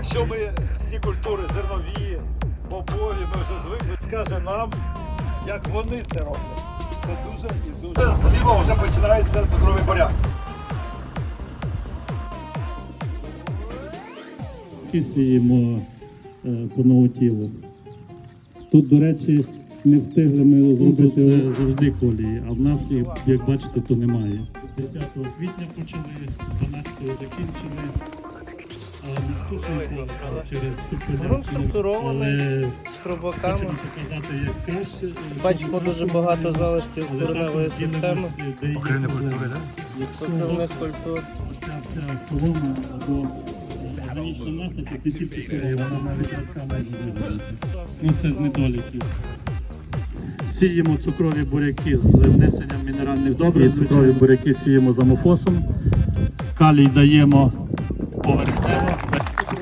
Якщо ми всі культури зернові, бобові, ми вже звикли, скаже нам, як вони це роблять. Це дуже і дуже. Зліва вже починається цукровий буряк. Сіємо по новотілу. Тут, до речі, не встигли ми зробити це завжди колії, а в нас їх, як бачите, то немає. 10 квітня почали, 12-го закінчили, а наступний коло через Грунт структурований, з хробаками. Хочемо показати, як краще. Бачимо дуже багато залишків кореневої системи. Покривні культури, так? Покривних культур. Ця солома або органічна маса, то ці цукрові, вона навіть радками не буде. Ну це з недоліків. Сіємо цукрові буряки з внесенням мінеральних добрив. Цукрові буряки сіємо з амофосом. Калій даємо поверхнево.